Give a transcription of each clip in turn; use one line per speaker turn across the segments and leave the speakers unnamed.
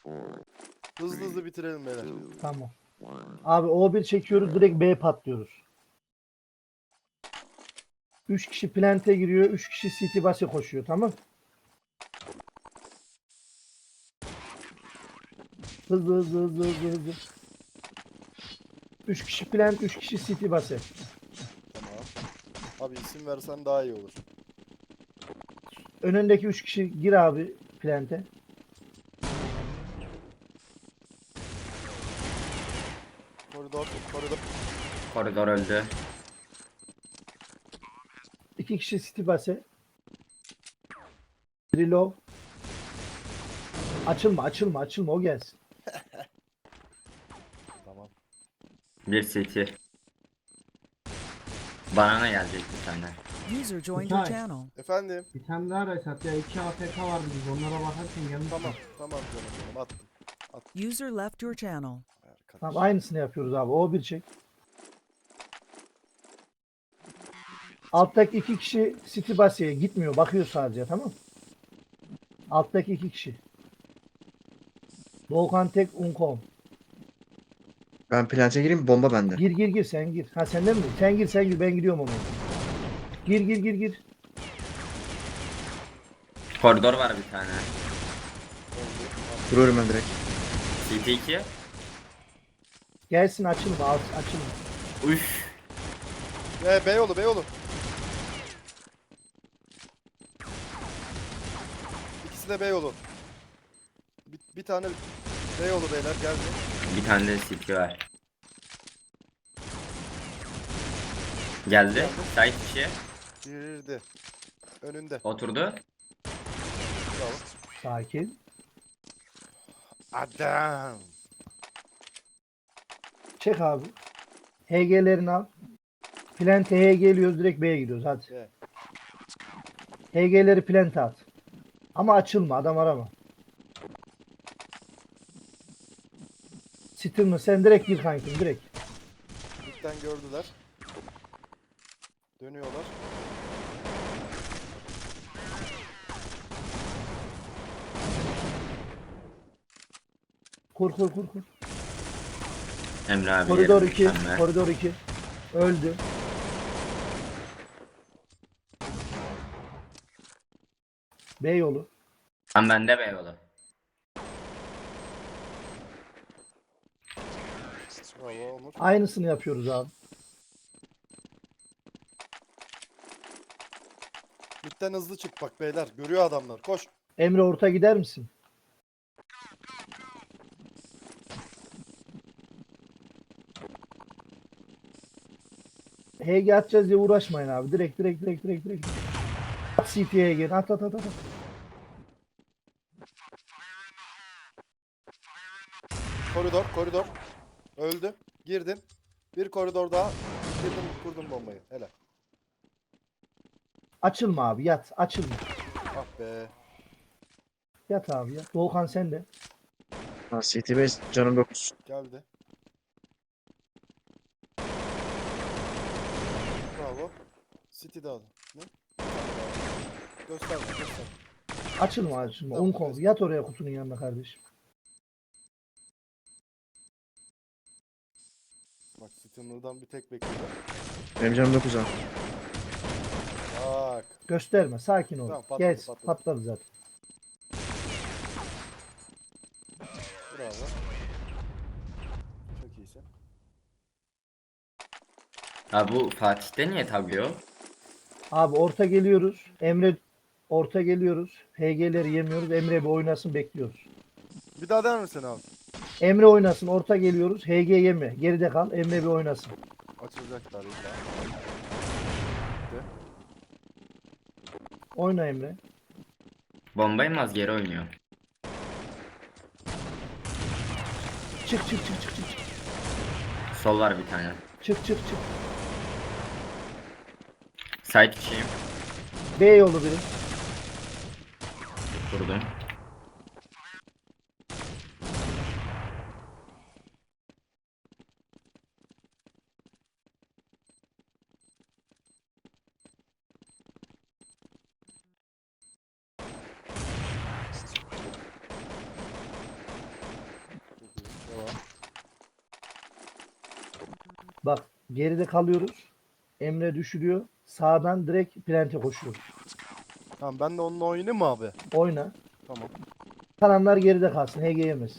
Hızlı hızlı bitirelim beyler.
Tamam. Abi O1 çekiyoruz, direkt B patlıyoruz. 3 kişi plante giriyor, 3 kişi city base koşuyor, tamam. Hızlı hızlı hızlı hızlı hızlı. 3 kişi plant, 3 kişi city base.
Tamam. Abi isim versen daha iyi olur.
Önündeki 3 kişi gir abi plante.
Koridor, koridor.
Koridor öldü.
2 kişi city base. Biri low. Açılma açılma açılma, o gelsin.
Tamam.
Bir CT. Banana gelecek bir tane.
User joined your
Okay.
channel.
Efendim.
Bir tane daha reset ya. 2 AFK vardı biz onlara bakarken yanlış.
Tamam. Tamam canım benim. Attım.
User left your channel.
Arkadaş.
Tamam, aynısını yapıyoruz abi. O1 çek. Alttaki 2 kişi city base'ye gitmiyor. Bakıyor sadece, tamam. Alttaki 2 kişi. Volkan tek Uncom.
Ben plante gireyim, bomba bende.
Gir gir gir, sen gir. Ha senden mi? Sen gir sen gir, ben gidiyorum onu. Gir gir gir gir.
Koridor var bir tane.
Vuruyorum ben direkt.
CT 2.
Gelsin, açılma açılma.
Üf.
Beyoğlu, Beyoğlu. İkisi de Beyoğlu. Bir tane Beyoğlu beyler geldi.
Bir tane de CT var. Geldi. Side kişi.
Girdi. Önünde.
Oturdu.
Bravo.
Sakin.
Adam.
Çek abi. HG'lerini al. Plante HG geliyoruz, direkt B'ye gidiyoruz hadi.
Evet.
HG'leri plante at. Ama açılma, adam arama. Sitter'ını sen direkt gir kankim, direkt.
Mid'den gördüler. Dönüyorlar.
Kur kur kur kur.
Emre abi.
Koridor
yerim
2.
mükemmel.
Koridor 2. Öldü. B yolu.
Tam bende be yolu.
Bravo Onur.
Aynısını yapıyoruz abi.
Mid'den hızlı çık bak beyler. Görüyor adamlar. Koş.
Emre orta gider misin? HG atacağız diye uğraşmayın abi. Direkt direkt direkt direkt direkt. At CT'ye gir. At at at at.
Koridor, koridor. Öldü. Girdin. Bir koridor daha. Girdim, kurdum bombayı. Helal.
Açılma abi, yat. Açılma.
Ah be.
Yat abi yat. Volkan sen de.
Ha, CT5 canım 9.
Geldi. Bravo. City'de adam. Ne? Gösterme, gösterme.
Açılma açılma.
Tamam,
Uncom.
evet.
Yat oraya kutunun yanına kardeşim.
Bak City'den bir tek bekliyor.
Benim canım 9 ha.
Bak.
Gösterme. Sakin ol.
Tamam, patladı,
Gel.
patladı.
Patladı zaten.
Bravo. Çok iyisin.
Abi bu Fatih'te niye tablıyor?
Abi orta geliyoruz. Emre orta geliyoruz. HG'leri yemiyoruz. Emre bir oynasın, bekliyoruz.
Bir daha der misin abi?
Emre oynasın. Orta geliyoruz. HG yeme. Geride kal. Emre bir oynasın.
Açılacaklar illa.
Oyna Emre.
Bombayı geri oynuyor.
Çık çık çık çık çık.
Sol var bir tane.
Çık çık çık.
Side kişiyim.
B yolu biri.
Vurdum.
Bak geride kalıyoruz. Emre düşürüyor. Sağdan direkt plante koşuyor.
Tamam ben de onunla oynayayım mı abi?
Oyna.
Tamam.
Kalanlar geride kalsın. HG yemesin.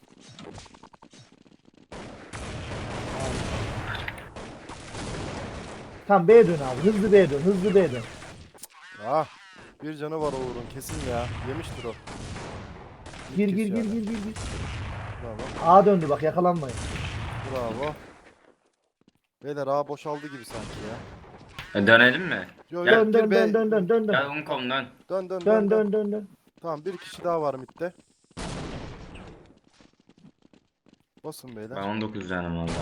Tamam B'ye dön abi. Hızlı B'ye dön. Hızlı B'ye dön.
Ah. Bir canı var Uğur'un kesin ya. Yemiştir o.
Gir
İlk
gir
kez
gir
yani.
gir gir gir.
Bravo.
A döndü bak yakalanmayın.
Bravo. Beyler A boşaldı gibi sanki ya.
Dönelim mi?
Yo, yo,
Gel.
Dön
gir
dön
be.
dön dön dön dön dön.
Gel Unkom dön.
Dön dön
Dön dön dön dön.
Tamam bir kişi daha var midde. Basın beyler.
Ben 19 canım valla.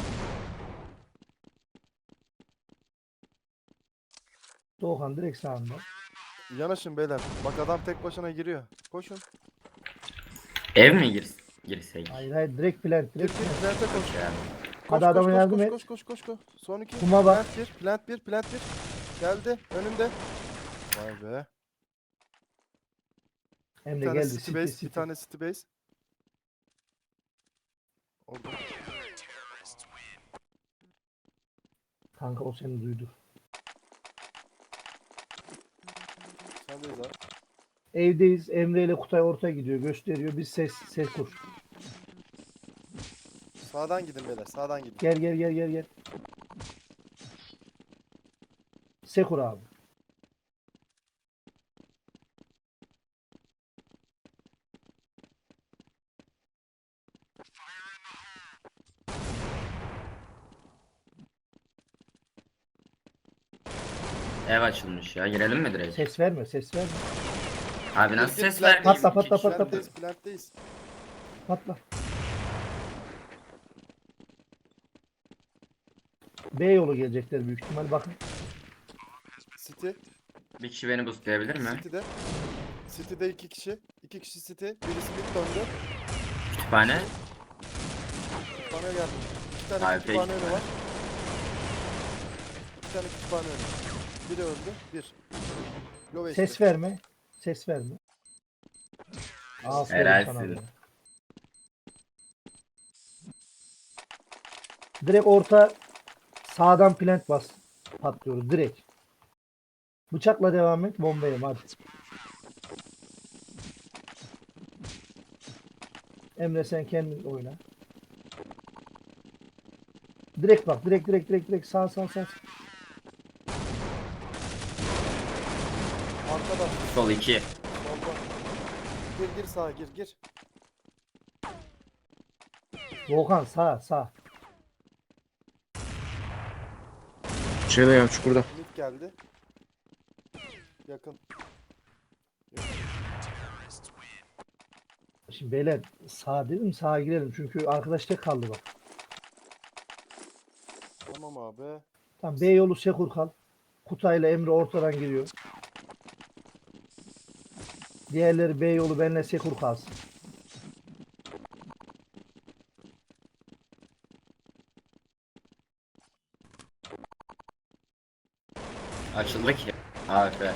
Doğukan direkt sağında.
Yanaşın beyler. Bak adam tek başına giriyor. Koşun.
Ev mi girsek?
Hayır hayır direkt plant
Gir
direkt
gir
plant.
plante koş.
Yani.
Hadi adama yardım
koş,
et.
koş koş koş koş. Son iki.
Kuma bak.
Plant bir. Geldi önünde. Vay be. Bir
Emre
tane
geldi.
city
City
base,
city.
bir tane city base. Orada.
Kanka o seni duydu.
Sendeyiz abi.
Evdeyiz. Emre ile Kutay orta gidiyor. Gösteriyor. Biz ses kur.
Sağdan gidin beyler. Sağdan gidin.
Gel gel gel gel gel. Sekur abi.
Ev açılmış ya. Girelim mi direkt?
Ses verme ses verme.
Abi nasıl
Gir,
ses
gir,
vermeyeyim?
patla,
İki
patla,
kişi.
patla.
Plantteyiz.
Patla. B yolu gelecekler büyük ihtimal. Bakın.
City.
Bir kişi beni boostlayabilir mi?
City'de. City'de iki kişi. İki kişi City. Birisi mid döndü.
Kütüphane.
Bana geldi. İki tane
Abi,
kütüphane
peki.
önü var. İki tane kütüphane önü. Biri öldü. Bir. Low
Ses
HP.
verme. Ses verme. Aferin
Helalsin.
sana be. Direkt orta sağdan plant bas. Patlıyoruz direkt. Bıçakla devam et. Bombayım hadi. Emre sen kendin oyna. Direkt bak. Direkt. Sağ.
Arkada.
Sol 2.
Solda. Gir sağa gir.
Volkan sağ.
Şeyde ya çukurda.
Mid geldi. Yakın.
Şimdi beyler sağ dedim sağa girelim. Çünkü arkadaş tek kaldı bak.
Tamam abi.
Tamam B yolu Sekur kal. Kutayla Emre ortadan giriyor. Diğerleri B yolu benle Sekur kalsın.
Açıldı ki. AFK.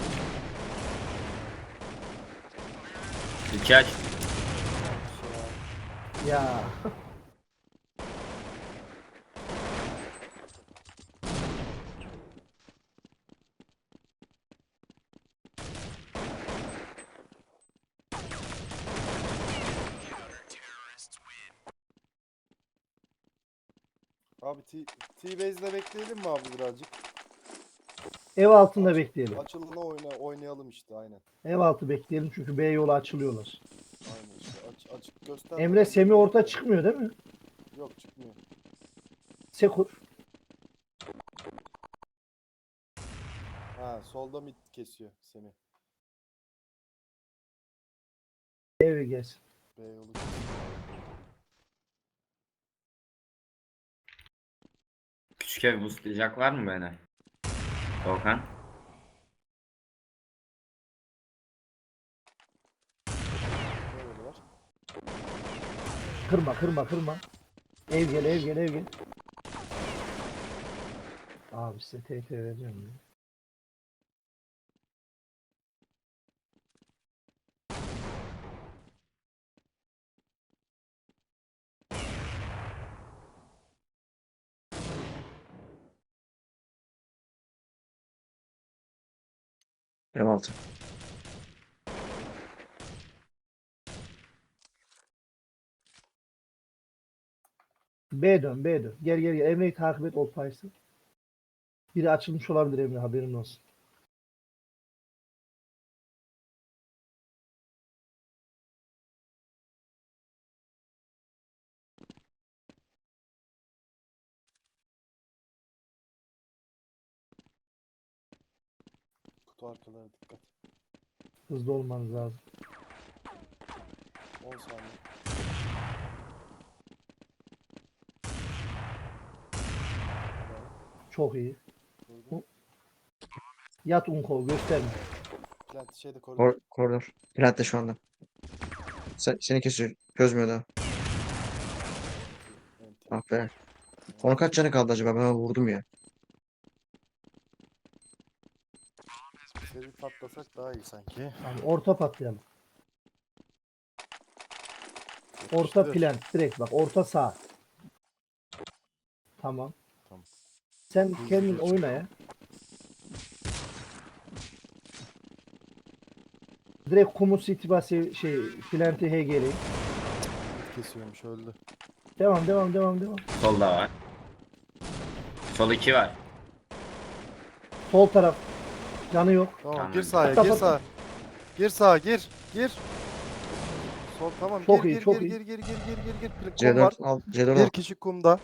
2 aç.
Ya.
Abi T-Base'le bekleyelim mi abi birazcık?
Ev altında bekleyelim.
Açılına oynayalım işte aynen.
Ev altı bekleyelim çünkü B yolu açılıyorlar.
Aynen işte açık göster.
Emre Semi orta çıkmıyor değil mi?
Yok çıkmıyor.
Sekur.
Ha solda mid kesiyor Semih.
Ev gelsin.
B yolu.
Küçük ev boostlayacak var mı beni? Volkan.
Böyle var.
Kırma. Ev gel. Abi size TP vereceğim ya.
Ev altı.
B dön, B dön. Gel gel gel. Emre'yi takip et, ol payısı. Biri açılmış olabilir Emre, haberin olsun.
Kutu arkalara dikkat.
Hızlı olmanız lazım.
10 saniye.
Çok iyi.
Vurdum.
Yat Unko, gösterme.
Plant şeyde koridor.
Koridor. Plant'te şu anda. Seni kesiyor. Çözmüyor daha.
Enti.
Ah be. Onun kaç canı kaldı acaba? Ben ona vurdum ya.
Seri patlasak daha iyi sanki.
Tamam, orta patlayalım. Orta
Yapıştır.
plan. Direkt bak, orta sağ. Tamam.
Tamam.
Sen
Hızlı
kendin
geç.
oyna ya. Direkt Kumu City bası Plant'i HG'leyin.
Kesiyormuş öldü.
Devam devam devam devam.
Solda var. Sol 2 var.
Sol taraf. Canı yok.
Tamam,
Tamam.
gir sahaya,
Patla,
gir
patla.
sağa. Gir sağa, gir. Gir. Sol tamam,
Çok
gir
iyi,
gir
çok
gir
iyi.
gir gir gir. Kum var.
C4 al. C4
Bir
al.
kişi kumda.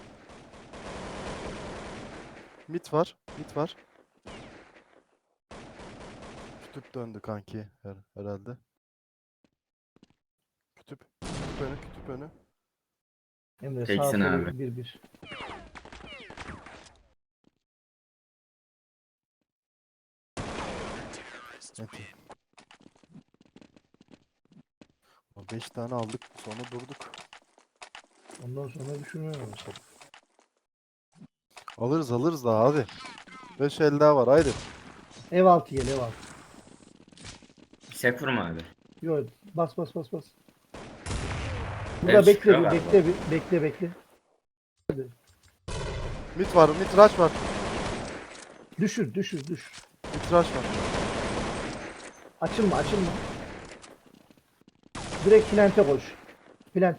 Mit var. Mit var. Kütüp döndü kanki herhalde. Kütüp. Kütüp önü, kütüp önü.
Emre sağ
Teksin
solu
abi.
1-1.
Enti. 5 tane aldık, sonra durduk.
Ondan sonra düşünmüyorum mesela.
Alırız daha hadi. 5 el daha var haydi.
Ev altı gel, ev altı.
Sekur mu abi?
Yok, bas bas bas bas.
Evet,
Burada bekle
çıkıyor
bir,
galiba.
bekle bir, bekle.
Mit var, mit rush var.
Düşür.
Mit rush var.
Açılma. Direkt Plant'e koş. Plant.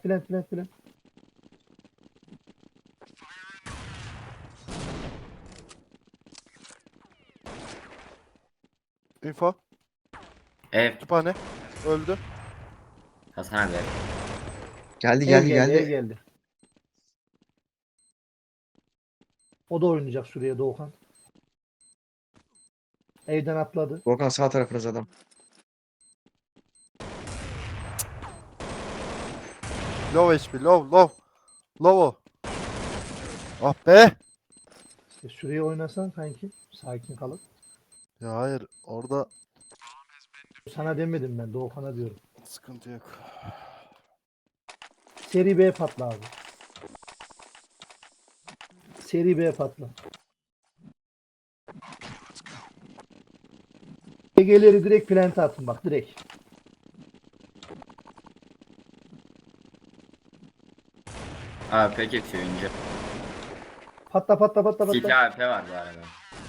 Info.
Ev.
Kütüphane. Öldü.
Hasan abi.
Geldi
Ev
geldi
Ev
geldi.
geldi. O da oynayacak şuraya Doğukan. Evden atladı.
Volkan sağ tarafınız adam.
Low HP, low. Low o. Ah be.
İşte şuraya oynasan kanki. Sakin kalıp.
Ya hayır, orada
Sana demedim ben, Doğukan'a diyorum.
sıkıntı yok.
Seri B patla abi. Seri B patla. EG'leri direkt plant'e atın bak, direkt.
AP kesiyor ince.
Patla.
City AP var bu arada.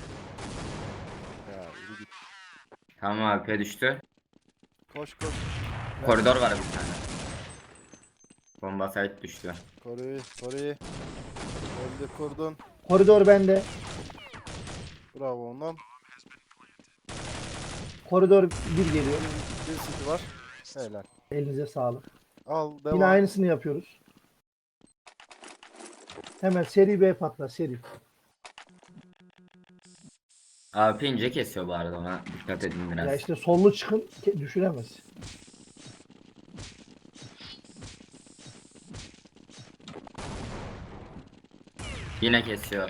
Ya yürü git.
Tamam AP düştü.
Koş.
Koridor var bir tane. Bomba site düştü.
Koruyu. Öldü, kurdun.
Koridor bende.
Bravo ondan.
Koridor 1 geliyor.
Bir city var. Helal.
Elinize sağlık.
Al, devam.
Yine aynısını yapıyoruz. Hemen seri B patla, seri.
AP ince kesiyor bu arada, ona dikkat edin biraz.
Ya işte sollu çıkın, düşüremez.
Yine kesiyor.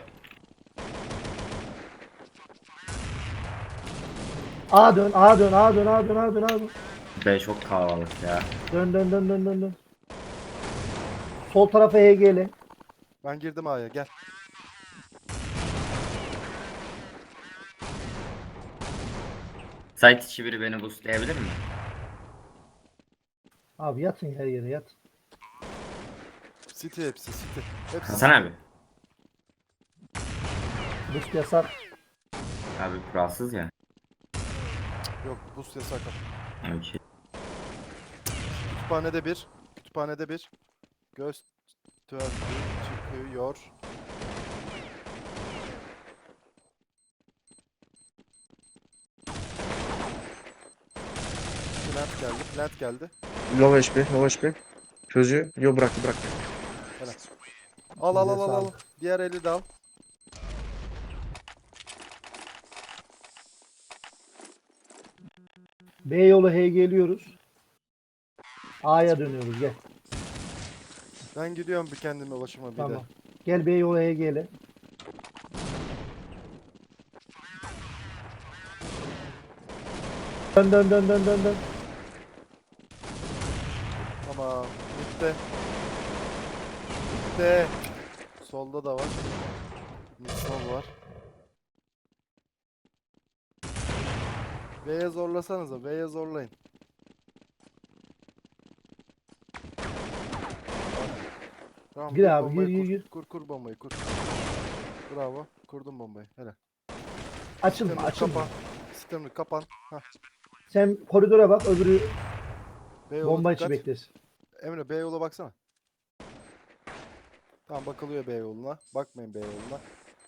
A dön.
B çok kalabalık ya.
Dön. Sol tarafa HG'le.
Ben girdim A'ya, gel.
Site içi biri beni boostlayabilir mi?
Abi yatın her yere, yat.
City hepsi, city. Hepsi.
Hasan abi.
Boost yasak.
Abi kuralsız ya.
Yok boost yasak ama.
Okey.
Kütüphanede bir. Kütüphanede bir. Gösterdi çıkıyor. Plant geldi. Plant geldi.
Low HP, low HP. Çözüyor. Yo bıraktı.
Al al al
Elinize
al al.
sağlık.
Diğer eli de al.
B yolu H geliyoruz. A'ya dönüyoruz gel.
Ben gidiyorum bir kendime başıma bir de.
Tamam. Gel B yolu H gele. Dön.
Tamam. Bitti. Bitti. Solda da var. Sol var. B'ye zorlasanıza. B'ye zorlayın. Tamam,
Gir
kur
abi,
bombayı,
gir.
Kur bombayı kur. Bravo. Kurdum bombayı. Helal.
Açılma
Sistemini
açılma.
kapan. Sistemini kapan. Hah.
Sen koridora bak öbürü
B yolu
bomba içi
dikkat.
beklesin.
Emre B yola baksana. Tamam bakılıyor B yoluna. Bakmayın B yoluna.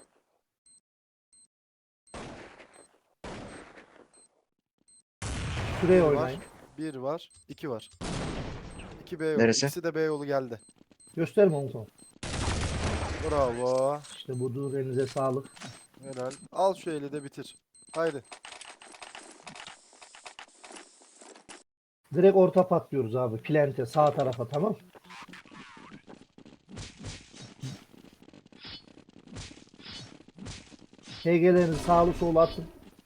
Şuraya
Bir
oynayın.
var. 1 var. 2 var. 2 B yolu.
Neresi?
İkisi de B yolu geldi.
Gösterme onu sonra.
Bravo.
İşte budur, elinize sağlık.
Helal. Al şu eli de bitir. Haydi.
Direkt orta patlıyoruz abi. Plante sağ tarafa, tamam. HG'lerinizi sağlı solu atın.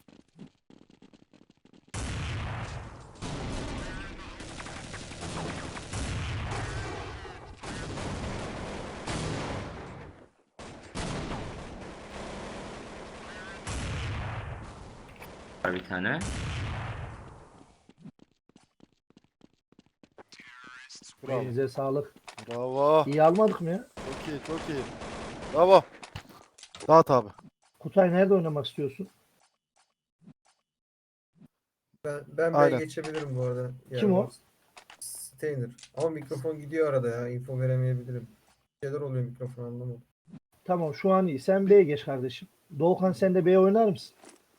Var bir tane.
Bravo.
Elinize sağlık.
Bravo.
İyi almadık mı ya?
Çok iyi, çok iyi. Bravo. Dağıt abi.
Kutay nerede oynamak istiyorsun?
Ben
Aynen.
B'ye geçebilirim bu arada.
Kim o?
Steiner. Ama mikrofon gidiyor arada ya. Info veremeyebilirim. Bir şeyler oluyor mikrofon anlamadım.
Tamam şu an iyi. Sen B'ye geç kardeşim. Doğukan sen de B'ye oynar mısın?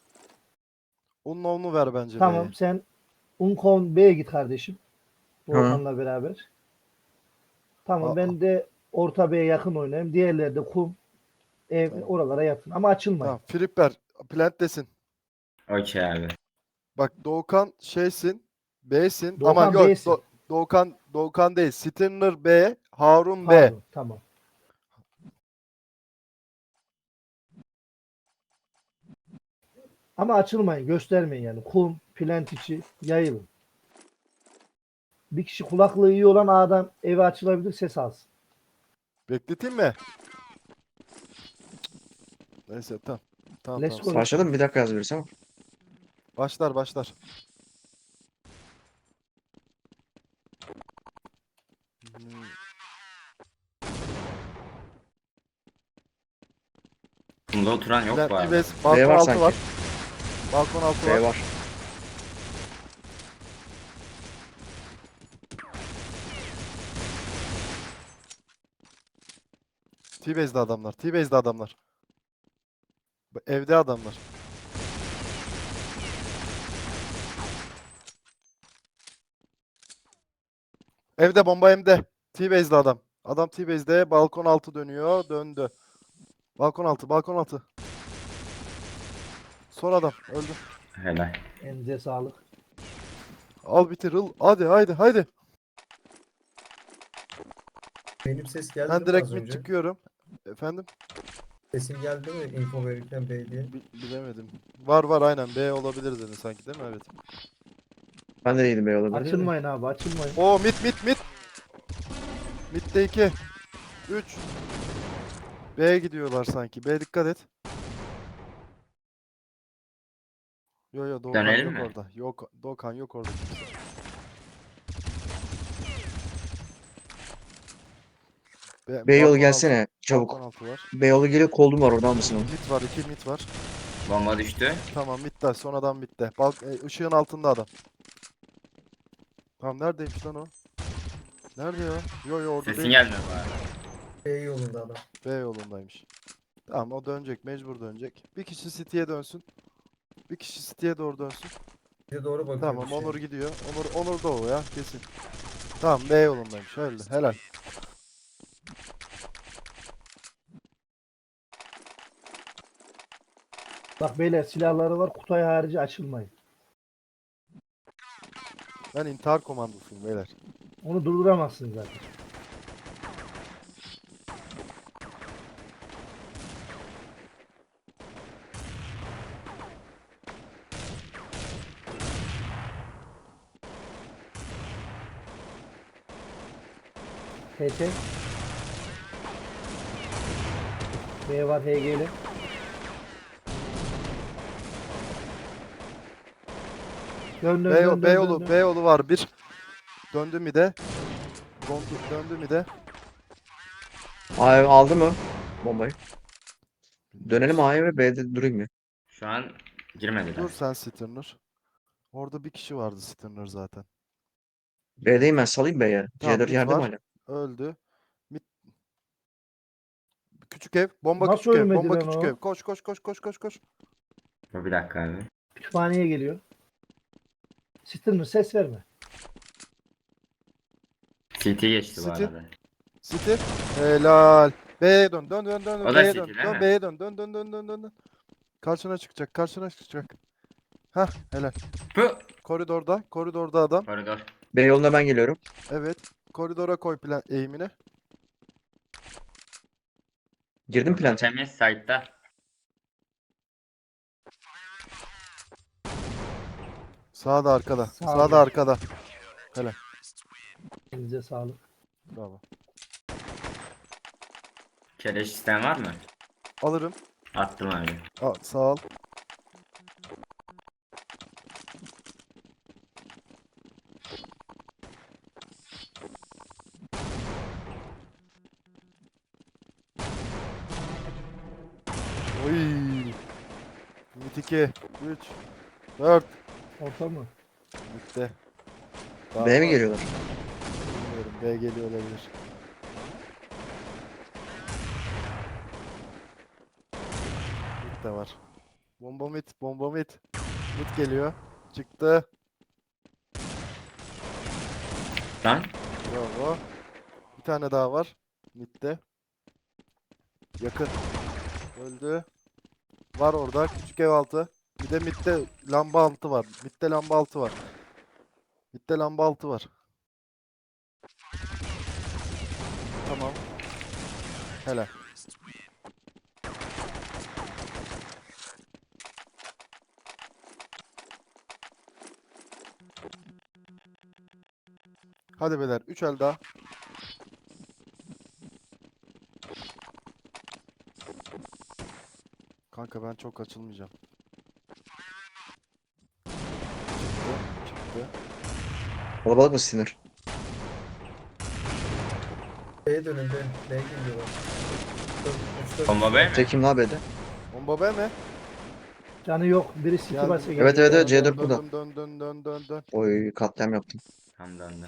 Onun ver bence
Tamam
B'ye.
sen Unkon B'ye git kardeşim. Doğukan'la beraber. Tamam
Aa.
ben de orta B'ye yakın oynayayım. Diğerleri de kum, ev
Tamam.
oralara yakın. Ama açılmayın.
Tamam. Flipper. Plant'tesin.
Okey abi.
Bak Doğukan şeysin. B'sin.
Doğukan
Ama yok.
B'sin.
Doğukan değil. Stinner B. Harun B.
Pardon, tamam. Ama açılmayın, göstermeyin yani. Kum, plant içi, yayılın. Bir kişi kulaklığı iyi olan A'dan eve açılabilir, ses alsın.
Bekleteyim mi? Neyse tamam. Tamam
Let's
tamam.
go.
Başladı mı? Bir dakika yaz birisi ama.
Başlar. Hmm.
Bunda oturan yok
Plant,
bu arada.
İves,
B
balkon
var
altı
sanki.
var. Balkon altı var.
B var.
T-Base'de adamlar. T-Base'de adamlar. Evde adamlar. Evde bomba evde. T-Base'de adam. Adam T-Base'de balkon altı dönüyor. Döndü. Balkon altı. Son adam. Öldü.
Helal.
Elinize sağlık.
Al bitir. Haydi.
Benim ses geldi
Ben
mi
direkt
az
mid
önce?
çıkıyorum. Efendim?
Sesim geldi mi info verirken B diye?
Bilemedim. Var aynen. B olabilir dedin sanki değil mi? Evet.
Ben de değilim B olabilir.
Açılmayın abi, açılmayın.
Oo mid. Mid'de 2. 3. B'ye gidiyorlar sanki. B dikkat et. Yo Doğukan
Dönelim
yok
mi?
orada. Yok Doğukan yok orada.
B yolu
balkon
gelsene
altı-
çabuk.
Balkon altı var.
B yolu geliyor, koldum var, oradan mısın onu?
Mid var 2 mid var.
Bomba düştü.
Tamam bitti. Son adam bitti. Işığın altında adam. Tamam neredeymiş lan o? Nerede ya? Yo orada
Sesin
değil.
gelmiyor bari.
B yolunda adam.
B yolundaymış. Tamam o dönecek. Mecbur dönecek. Bir kişi City'ye dönsün. Bir kişi City'ye doğru dönsün.
Bize doğru bakıyor
Tamam
bir şey.
Onur gidiyor. Onur da o ya kesin. Tamam B yolundaymış. Öyle. Helal.
Bak beyler silahları var. Kutay harici açılmayın.
Ben intihar komandosuyum beyler.
Onu durduramazsın zaten. HT. B var HG'li. Dön dön dön dön dön.
B yolu var bir. Döndü mi de? Döndü mi de?
A'ya aldı mı bombayı? Dönelim A'ya ve B'de durayım mı?
Şu an girmediler.
Dur sen Stirner. Orada bir kişi vardı Stirner zaten.
B'deyim ben, salayım B'ye.
Tamam,
C4
mid
yerde mi
var.
hala?
Öldü. Küçük ev. Bomba
Nasıl
küçük ev.
ölmedi
Bomba
lan
küçük
o?
ev. Koş koş koş koş koş koş.
Dur bir dakika abi.
Kütüphaneye geliyor. Stirner ses verme.
CT geçti bu
City.
arada.
City. Helal. B'ye dön. Dön dön dön.
O da
B'ye
City
dön.
değil
Dön
mi?
B'ye dön. Dön dön dön dön dön. Dön. Karşına çıkacak. Karşına çıkacak. Hah helal.
Pı!
Koridorda. Koridorda adam.
Koridor.
B yoluna ben geliyorum.
Evet. Koridora koy plan eğimini.
Girdim plante.
Temiz site'da.
Sağda arkada.
Sağda.
Sağda arkada. Helal.
Elinize sağlık.
Bravo.
Keleş isteyen var mı?
Alırım.
Attım abi.
Sağ ol. Oy. 2, 3, 4.
Orta mı?
Bitti.
B mi
var.
geliyorlar?
Bilmiyorum. B geliyor olabilir. Mid de var. Bomba mid. Bomba mid. Mid geliyor. Çıktı.
Lan.
Bravo. Bir tane daha var. Mid'de. Yakın. Öldü. Var orada. Küçük ev altı. Bir de midde lamba altı var. Midde lamba altı var. Midde lamba altı var. Tamam. Helal. Hadi beyler. 3 el daha. Kanka ben çok açılmayacağım. Çıktı.
Kalabalık mı sinir?
B'ye dönün B. B geliyorlar.
Bomba B mi?
Tekim la B'de.
Bomba B mi?
Canı yok. Biri City
Geldim.
basa
Evet evet evet
Dön,
C4 burada.
dön dön dön dön dön.
Oy katliam yaptım.
Tam döndü.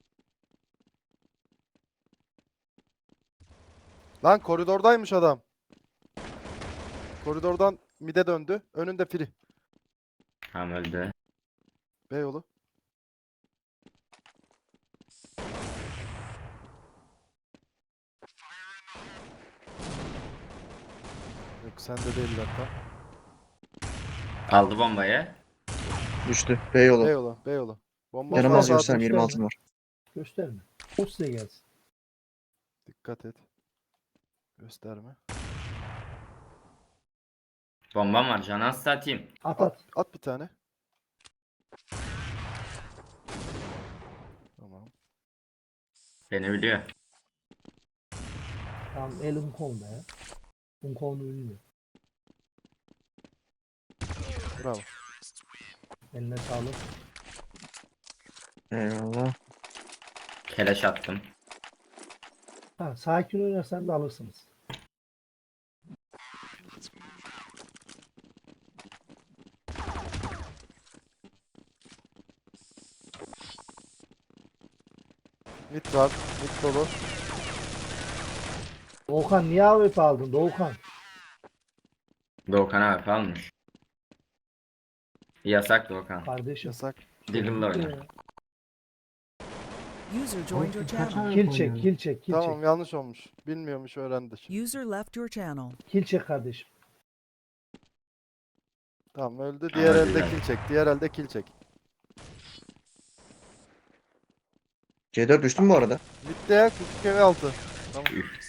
Lan koridordaymış adam. Koridordan mid'e döndü. Önünde free.
Tam öldü.
B yolu. Yok sende değiller tam.
Aldı bombayı.
Düştü. B
B
yolu.
yolu. B yolu. Bomba
Canım az
sağda
gösterme,
atmış.
26 var.
gösterme. O size gelsin.
Dikkat et. Gösterme.
Bombam var. Canı az satayım.
At
At,
at.
at bir tane. Tamam.
Beni biliyor.
Tamam el Unkon'da ya. Unkon'u bilmiyor.
Bravo.
Eline sağlık.
Eyvallah.
Keleş attım.
Ha, sakin oynarsan da alırsınız.
Mid var. Mid dolu.
Doğukan niye AWP aldın Doğukan?
Doğukan abi almış. Yasak Doğukan.
Kardeşim.
Yasak.
Deagle'la oyna.
User joined your
Kaç
channel.
ay
Kill
oynuyorsun?
çek, kill çek, kill
Tamam
çek.
yanlış olmuş. Bilmiyormuş öğrendi şimdi.
User left your channel.
Kill çek kardeşim.
Tamam öldü.
Ama
Diğer elde
güzel.
kill çek. Diğer elde kill çek.
C4 düştü mü bu arada?
Mid'de ya küçük ev altı. Tamam.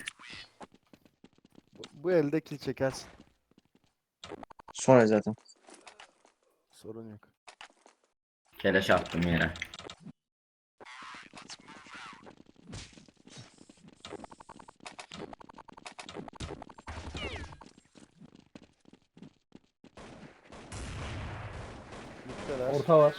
Bu elde kill çekersin.
Sonra zaten.
Sorun yok.
Keleş attım yere.
Mid'deler.
Orta var.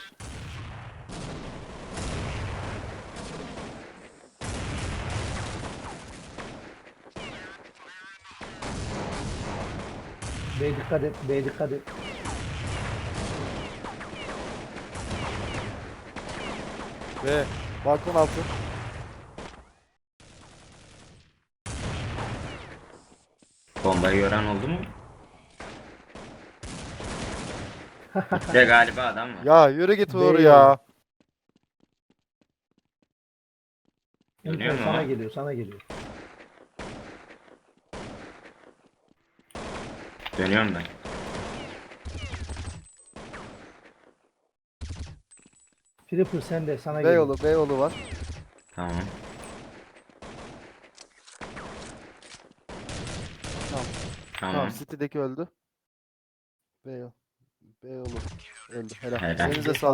B dikkat et, B dikkat et.
Ve balkon altı.
Bombayı gören oldu mu? İşte galiba adam var.
Ya yürü git Uğur
Değil.
ya.
Dönüyor mu
Sana
o?
geliyor, sana geliyor.
Dönüyorum ben.
Flipper sende, sana geliyor.
Beyoğlu, Beyoğlu var.
Tamam.
Tamam.
Tamam.
Tamam, City'deki öldü. Beyoğlu. Beyoğlu öldü. Helal.
Helal.
Elinize sağlık.